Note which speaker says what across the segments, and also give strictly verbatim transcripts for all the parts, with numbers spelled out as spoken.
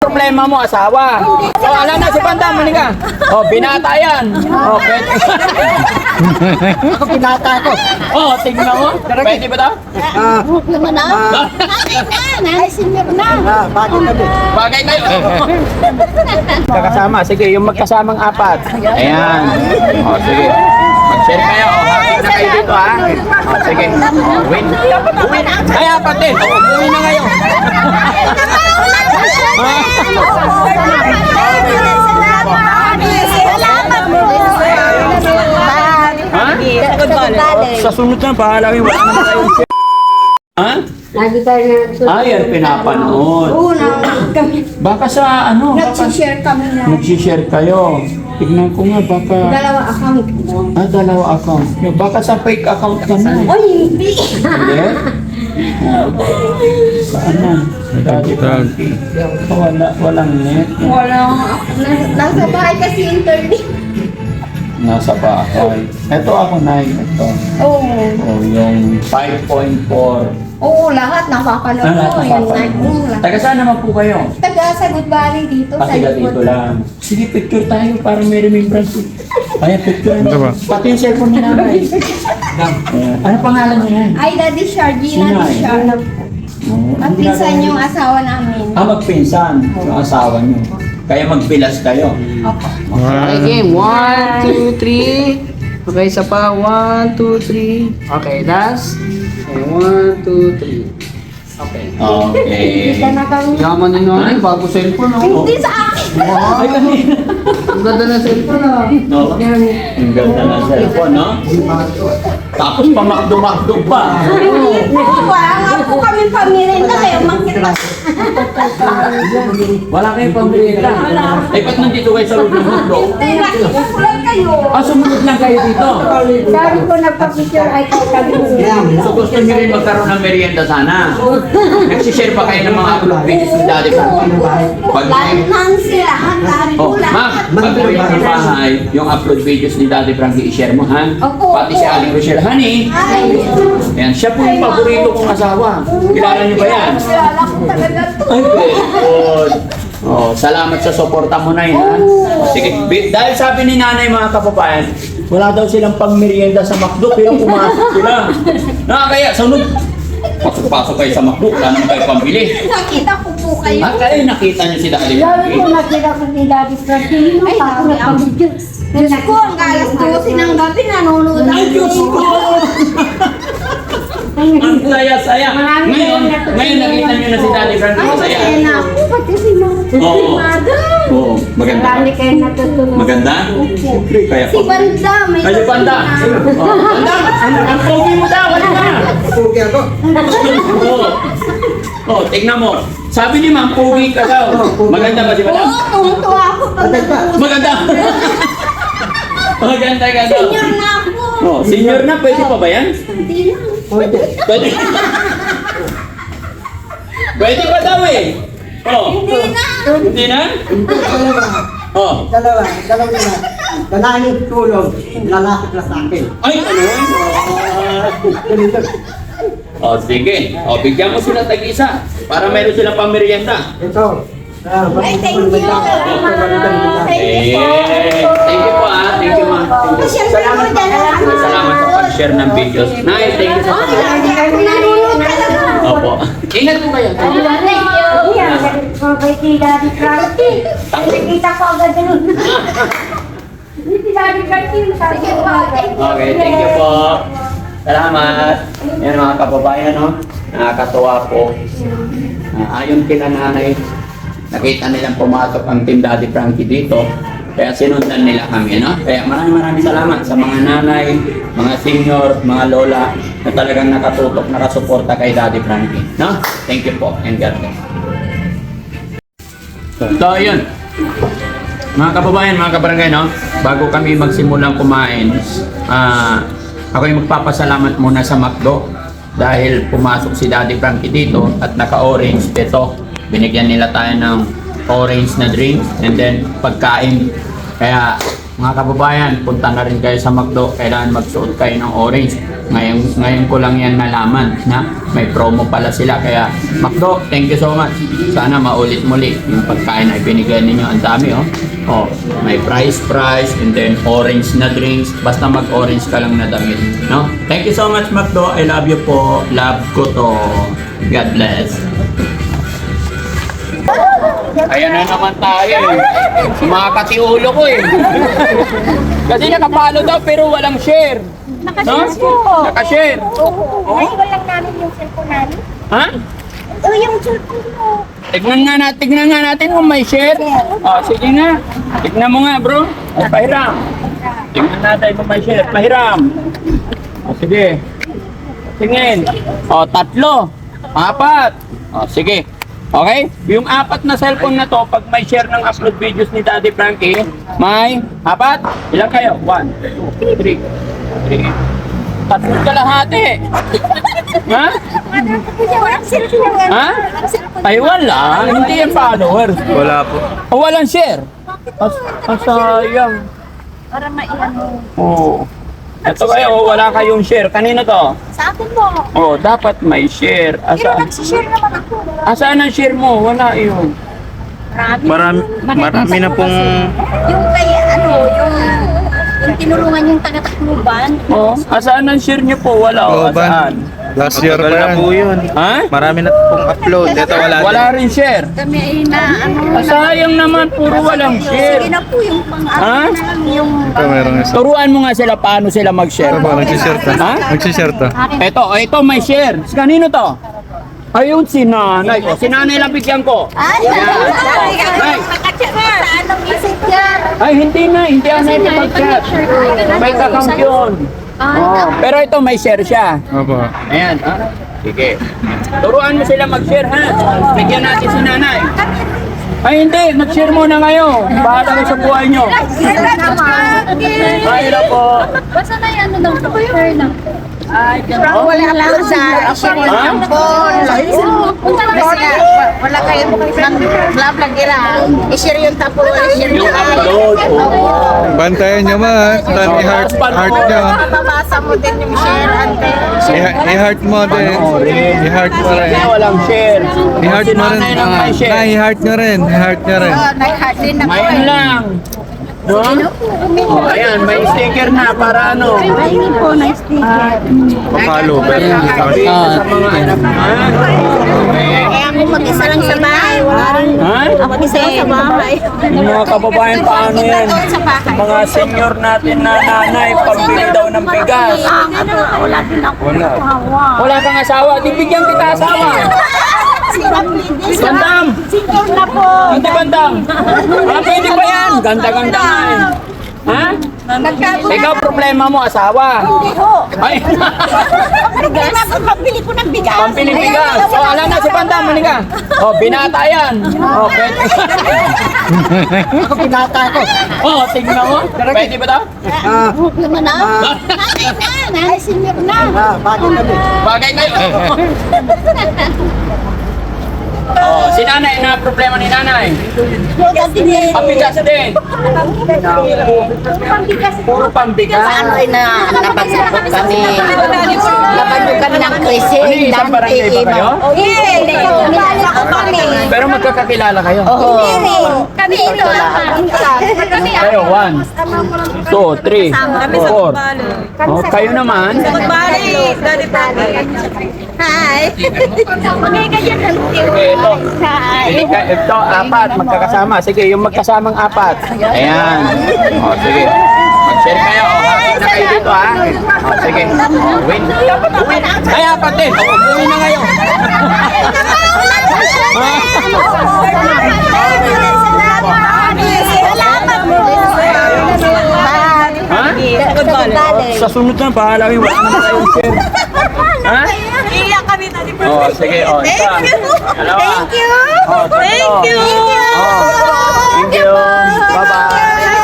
Speaker 1: problema mo, asawa. O, alam na si Panda, muli ka. O, binata yan. O, pwede.
Speaker 2: Ako pinata ko.
Speaker 1: O, tignan mo. Pwede ba daw?
Speaker 2: Ah,
Speaker 3: Naman na. Nanay na. Nanay senior na.
Speaker 2: ah, bakit kami?
Speaker 1: Bagay kayo. Kakasama, sige, yung magkasamang apat. Ayan. O, sige. Mag-share kayo. O, happy na kayo dito, ha? O, sige. O, win. Win. Ay, apat din. O, win na kayo. Ha? Sa sunod na, bahala kayo. Wala naman kayo. Ha?
Speaker 3: Lagi tayo na.
Speaker 1: Ay, yan pinapanood.
Speaker 3: Oo, na kami.
Speaker 1: Baka sa ano, baka
Speaker 3: Nag-share kami na.
Speaker 1: nag-share kayo. Tignan ko nga, baka...
Speaker 3: Dalawa account.
Speaker 1: Ah, dalawa account. Baka sa fake account ka na.
Speaker 3: Oy, hindi.
Speaker 1: Hindi? Saan na? Dati Frankie. Wala, walang net.
Speaker 3: Wala. Nas- Nasa bahay kasi internet.
Speaker 1: Nasa bahay. Ito ako na ito.
Speaker 3: Oo.
Speaker 1: Oh, yung five point four.
Speaker 3: Oo, lahat nakapanood
Speaker 1: Ah, lahat
Speaker 3: ko. Yung
Speaker 1: nakapanood.
Speaker 3: night mo.
Speaker 1: Taga saan naman po kayo?
Speaker 3: Taga sa Good Valley dito.
Speaker 1: Ah,
Speaker 3: sa
Speaker 1: taga
Speaker 3: likod.
Speaker 1: dito lang. Sige, picture tayo para may remembrance. Ayan, picture. Pati yung cellphone ni nanay. Ayan. Ano pangalan niya yan?
Speaker 3: Ay, Daddy Shar, Gina
Speaker 1: Sinay.
Speaker 3: Shar.
Speaker 1: Oh,
Speaker 3: At pinsan yung asawa namin.
Speaker 1: Ah, magpinsan. Yung asawa niyo. Kaya magbilas kayo.
Speaker 3: Opo.
Speaker 4: Okay, game. One, two, three. Okay, isa pa. One, two, three. Okay, last. Okay, one, two, three. Okay.
Speaker 1: Okay.
Speaker 3: Kita na kami.
Speaker 4: Yaman ni nanay, bago cellphone, oh.
Speaker 3: Hindi sa akin.
Speaker 4: Ay, kanina. Ang ganda ng cellphone, ah.
Speaker 1: No? Ang ganda ng cellphone, no? Tapos pamakdo-makdo pa.
Speaker 3: Wala nga po kami pamirin na kayo makita.
Speaker 1: Wala kayong pamilya. Eh, ba't nandito kayo sa loob ng mundo?
Speaker 3: Hindi, nakita ko lang kayo.
Speaker 1: Ah, sumunod lang kayo dito.
Speaker 3: Sabi ko nagpa-picture ay kay kami.
Speaker 1: So gusto niyo rin magkaroon ng merienda sana. Nagsishare pa kayo ng mga upload videos ni Daddy Frankie. Pag
Speaker 3: Lahat nan sila, lahat
Speaker 1: Oh,
Speaker 3: ko
Speaker 1: ma,
Speaker 3: lahat.
Speaker 1: pag uwi mo sa bahay, yung upload videos ni Daddy Frankie, i-share mo, ha?
Speaker 3: Opo,
Speaker 1: Pati si
Speaker 3: opo.
Speaker 1: Aling Rochelle, honey.
Speaker 3: Ay,
Speaker 1: Yan, siya po yung paborito kong asawa. Kilala niyo ba yan?
Speaker 3: kilala ko talaga to.
Speaker 1: Ay, good. Oh, salamat sa suporta mo na yun, ha? Oh, sige, bi- dahil sabi ni nanay mga kapabayan, wala daw silang pangmerienda sa McDo, pero pumasok sila. Nakakaya, sunod. Pasok-pasok kayo sa McDo, wala naman kayo pambili.
Speaker 3: Nakita ko po kayo.
Speaker 1: Ah, kayo nakita niyo si Daddy
Speaker 5: Sabi ko
Speaker 1: Frankie.
Speaker 5: nakita ko ni Daddy Frankie.
Speaker 3: Ay,
Speaker 5: Ako
Speaker 3: dami ang
Speaker 5: nagpag-video.
Speaker 3: Diyos ko, ang alas dose ng gabi, nanonood ako.
Speaker 1: Ay, Diyos ko! Ang saya-saya.
Speaker 5: Marami
Speaker 1: Ngayon,
Speaker 5: kayong natutunan.
Speaker 1: ngayon nakita niyo na si Daddy Frankie.
Speaker 3: Ay,
Speaker 1: Masaya.
Speaker 3: masaya na ako. Pati si Mama.
Speaker 1: Oo.
Speaker 3: Si Madam.
Speaker 1: Oo, maganda ba?
Speaker 5: Marami kayo natutunan.
Speaker 1: Maganda? Siyempre, kaya
Speaker 3: Si Banda. May
Speaker 1: Ay, si Banda!
Speaker 3: natutunan.
Speaker 1: Oh, Banda! Ang pogi mo daw! Ano ka?
Speaker 2: Pugi ako.
Speaker 1: Oo. Oh, tignan mo. Sabi ni Ma'am, pogi ka daw. Maganda ba si Banda?
Speaker 3: Oo, tumutuwa ako pag nag-uusap.
Speaker 1: Maganda! Maganda ka daw.
Speaker 3: Senior na ako.
Speaker 1: Oh, senior na, pwede pa ba yan?
Speaker 3: Hindi lang.
Speaker 1: Pwede. Pwede pa daw eh. Oh,
Speaker 3: Hindi na.
Speaker 1: hindi na?
Speaker 2: Dalawa.
Speaker 1: Oh.
Speaker 2: Dalawa. Dalawa na. Lalaki yung tulong. Lalaki na sa akin.
Speaker 1: Ay, ano?
Speaker 2: Ganito.
Speaker 1: Oh, sige. Oh, bigyan mo sila tag-isa para meron silang pamerienda.
Speaker 2: Ito. Ah,
Speaker 3: Ay, thank you.
Speaker 1: Eh, thank you po ah. Thank you ma. Thank you.
Speaker 3: Siyempre
Speaker 1: Salamat
Speaker 3: po,
Speaker 1: po.
Speaker 3: dalawa.
Speaker 1: Salamat sa pag-share ng videos. Nay, thank you sa
Speaker 3: Ay, lagi ako nanonood talaga.
Speaker 1: Opo. Ingat po kayo.
Speaker 5: Thank you. Yan, kay si Daddy Frankie. Nakita ko agad yun. Hindi si Daddy Frankie. Sabi ko agad.
Speaker 1: Okay, thank you po. Salamat. Yan mga kababayan, no? Nakakatuwa po. Ah, ayon kila nanay, nakita nilang pumasok ang Team Daddy Frankie dito. Kaya sinundan nila kami, no? Kaya maraming maraming salamat sa mga nanay, mga senior, mga lola na talagang nakatutok, nakasuporta kay Daddy Frankie, no? Thank you po and God bless. So, yun. Mga kababayan, mga kabarangay, no? Bago kami magsimulang kumain, ah, ako yung magpapasalamat muna sa McDo dahil pumasok si Daddy Frankie dito at naka-orange. Ito, binigyan nila tayo ng orange na drink and then pagkain. Kaya mga kababayan, punta na rin kayo sa McDo. Kailangan magsuot kayo ng orange. Ngayon, ngayon ko lang yan nalaman na may promo pala sila. Kaya, Macdo, thank you so much. Sana maulit muli yung pagkain na ibinigay ninyo. Ang dami, oh. Oh, may price price and then orange na drinks. Basta mag-orange ka lang na damit. No? Thank you so much, Macdo. I love you po. Love ko to. God bless. Ayan na naman tayo eh. Sumakati ulo ko eh. Kasi nakapalo daw pero walang share.
Speaker 5: Nakashare po.
Speaker 1: Nakashare.
Speaker 5: Oo. Ay, walang namin yung cellphone namin.
Speaker 1: Ha?
Speaker 5: Oh, yung cellphone mo.
Speaker 1: Tignan nga natin, tignan nga natin kung may share. Oh, sige nga. Tignan mo nga, bro. Ay, pahiram. Tignan natin kung may share. Pahiram. Oh, sige. Tingin. Oh, tatlo. Apat. Oh, sige. Okay? Yung apat na cellphone na to, pag may share ng upload videos ni Daddy Frankie, may apat. Ilan kayo? One, two, three. Three. Tatlong kalahati. Ha?
Speaker 5: Walang cellphone.
Speaker 1: Ha? Ay, wala. Hindi yan followers.
Speaker 6: Wala po.
Speaker 1: O, walang share. As, asayang.
Speaker 5: Para maiano.
Speaker 1: Oo. Ito kayo, wala kayong share. Kanino to?
Speaker 5: Sa akin po.
Speaker 1: Oh, dapat may share.
Speaker 5: Pero
Speaker 1: Asa,
Speaker 5: nagsishare naman ako.
Speaker 1: asaan ang share mo? Wala yun.
Speaker 5: Marami.
Speaker 6: Marami, marami na pong...
Speaker 5: Yung kay ano, yung yung tinulungan yung taga-Tacloban.
Speaker 1: Oh, asaan ang share niyo po? Wala. Oh,
Speaker 6: Oo, ban.
Speaker 1: asaan?
Speaker 6: Last year pa na po yun.
Speaker 1: Ha?
Speaker 6: Marami na pong upload. Ito wala din.
Speaker 1: Wala rin share.
Speaker 5: Kami ay na ano.
Speaker 1: Sayang naman, puro walang
Speaker 5: Sige
Speaker 1: share.
Speaker 5: na po yung pang
Speaker 1: Ha?
Speaker 5: ano na lang yung
Speaker 6: Ito meron isa.
Speaker 1: Turuan mo nga sila paano sila mag-share.
Speaker 6: Ito po, nagsishare ta.
Speaker 1: Ha?
Speaker 6: Nagsishare ta.
Speaker 1: Ito, ito may share. Kanino to? Ayun, si nanay. O, si nanay lang bigyan ko.
Speaker 5: Ay,
Speaker 1: Nay.
Speaker 5: sa anong messenger?
Speaker 1: Ay, hindi na. Hindi na ito mag-chat. May account yun. Oh, pero ito may share siya.
Speaker 6: Opo.
Speaker 1: Ayan. Ha? Sige. Turuan mo sila mag-share, ha? Bigyan natin si nanay. Ay, hindi. Mag-share muna kayo. Bahala kayo sa buhay nyo. Mahirap po.
Speaker 5: Basta na yan, ano daw, share lang.
Speaker 3: Wala lang sa share
Speaker 1: Ha?
Speaker 3: yung phone. Wala kayong vlog lagi lang. I-share yung tapo, i-share
Speaker 1: Yung
Speaker 3: yung
Speaker 1: upload. Oh.
Speaker 6: Bantayan nyo ma. Tani heart, heart nyo.
Speaker 3: Mababasa mo din yung share, ante.
Speaker 6: I- I-heart mo din. I-heart mo rin.
Speaker 1: Kaya walang share.
Speaker 6: I-heart
Speaker 1: Si
Speaker 6: mo rin.
Speaker 1: nanay lang may
Speaker 6: Na,
Speaker 1: share.
Speaker 6: i-heart nyo rin. I-heart nyo rin.
Speaker 3: Oh, nag-heart din ako.
Speaker 1: Ngayon lang. No? Oh, ayan, may sticker na para ano.
Speaker 5: Pahingi po ng sticker.
Speaker 6: Papalo. Pero hindi sa
Speaker 1: Sabi sa mga anak mo.
Speaker 3: Eh, ako mag-isa lang sa bahay. Wala rin.
Speaker 1: Ha?
Speaker 3: Ako mag-isa lang sa bahay.
Speaker 1: Yung mga kababayan, paano yan? Mga senior natin na nanay, pambili daw ng bigas.
Speaker 5: Ano, wala din ako.
Speaker 6: Wala.
Speaker 1: Wala kang asawa, di bigyan kita asawa. Bandam!
Speaker 5: Single na po.
Speaker 1: Hindi bandam! Ah, pwede ba yan? Ganda-ganda nga eh. Ha? Ikaw problema mo, asawa.
Speaker 5: Hindi ho.
Speaker 1: Ay,
Speaker 5: Bigas. Pambili ko ng bigas.
Speaker 1: pampili bigas. O, alam na si Bandam, mali ka. O, binata yan. O, pwede.
Speaker 2: Ako pinata ko.
Speaker 1: O, tignan mo. Pwede ba daw?
Speaker 2: Ah,
Speaker 5: Huwag naman na. Nanay na. Nanay senior na.
Speaker 2: ah, bakit kami?
Speaker 1: Bagay kayo. Oh, si nanay, na problema ni nanay.
Speaker 5: Bigas din eh.
Speaker 1: Pabigas din.
Speaker 5: Pambigas.
Speaker 1: Puro pambigas.
Speaker 3: Ano ay na napagsapot kami. Laban ko kami ng Quezon.
Speaker 1: Ano yung isang barangay ba kayo?
Speaker 5: Hindi. Kilala ko kami.
Speaker 1: Pero magkakakilala kayo.
Speaker 3: Oo.
Speaker 5: Kami ito lang. Kami
Speaker 1: Kayo, one, two, three, four. Oh, kayo naman.
Speaker 5: Magbali. Daddy Frankie. Hi. Okay, ganyan lang.
Speaker 1: Sige, ito.
Speaker 5: Hi.
Speaker 1: Sige, ka- ito, apat, magkakasama. Sige, yung magkasamang apat. Ayan. O, sige. Mag-share kayo. O, hapit na kayo dito, ha? O, sige. O, win. Win. Ay, apat din. O, umuwi na ngayon. Ha? Sa sunod na, bahala kayo. Wala naman kayong share. Ha?
Speaker 5: Iyak kami tadi.
Speaker 1: O, sige. O, isa. Dalawa.
Speaker 5: Thank you.
Speaker 1: O, tatlo.
Speaker 5: Thank you.
Speaker 1: O, thank you. Bye-bye.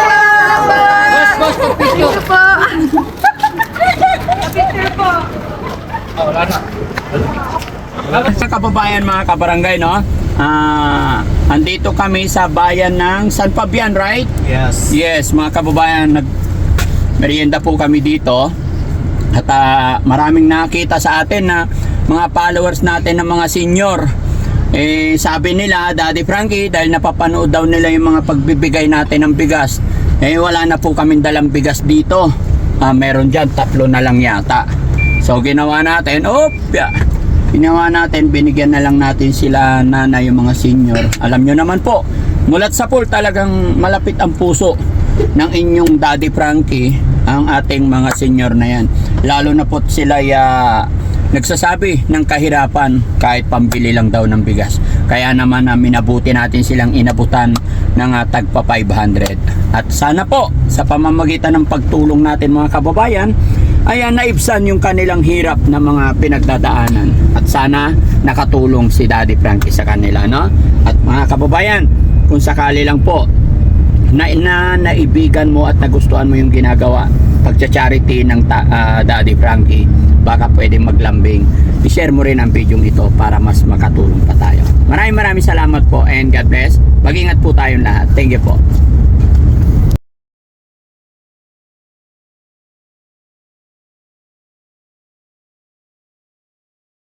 Speaker 1: Mga kababayan, mga kabarangay, no? Ah, andito kami sa bayan ng San Fabian, right?
Speaker 6: Yes.
Speaker 1: Yes, mga kababayan, nag merienda po kami dito. At ah, maraming nakita sa atin na mga followers natin ng mga senior. Eh, sabi nila, Daddy Frankie, dahil napapanood daw nila yung mga pagbibigay natin ng bigas, eh wala na po kaming dalang bigas dito. Ah, meron dyan, tatlo na lang yata. So ginawa natin, op, yeah. Ginawa natin, binigyan na lang natin sila nanay, yung mga senior. Alam nyo naman po, mulat sa pool talagang malapit ang puso ng inyong Daddy Frankie ang ating mga senior na yan. Lalo na po sila ya nagsasabi ng kahirapan kahit pambili lang daw ng bigas. Kaya naman na minabuti natin silang inabutan ng uh, tagpa five hundred. At sana po sa pamamagitan ng pagtulong natin mga kababayan ay uh, naibsan yung kanilang hirap na mga pinagdadaanan. At sana nakatulong si Daddy Frankie sa kanila, no? At mga kababayan, kung sakali lang po na, na naibigan mo at nagustuhan mo yung ginagawa pagcha-charity ng ta, uh, Daddy Frankie, baka pwede maglambing, i-share mo rin ang video ito para mas makatulong pa tayo. Maraming maraming salamat po and God bless. Mag-ingat po tayong lahat. Thank you po.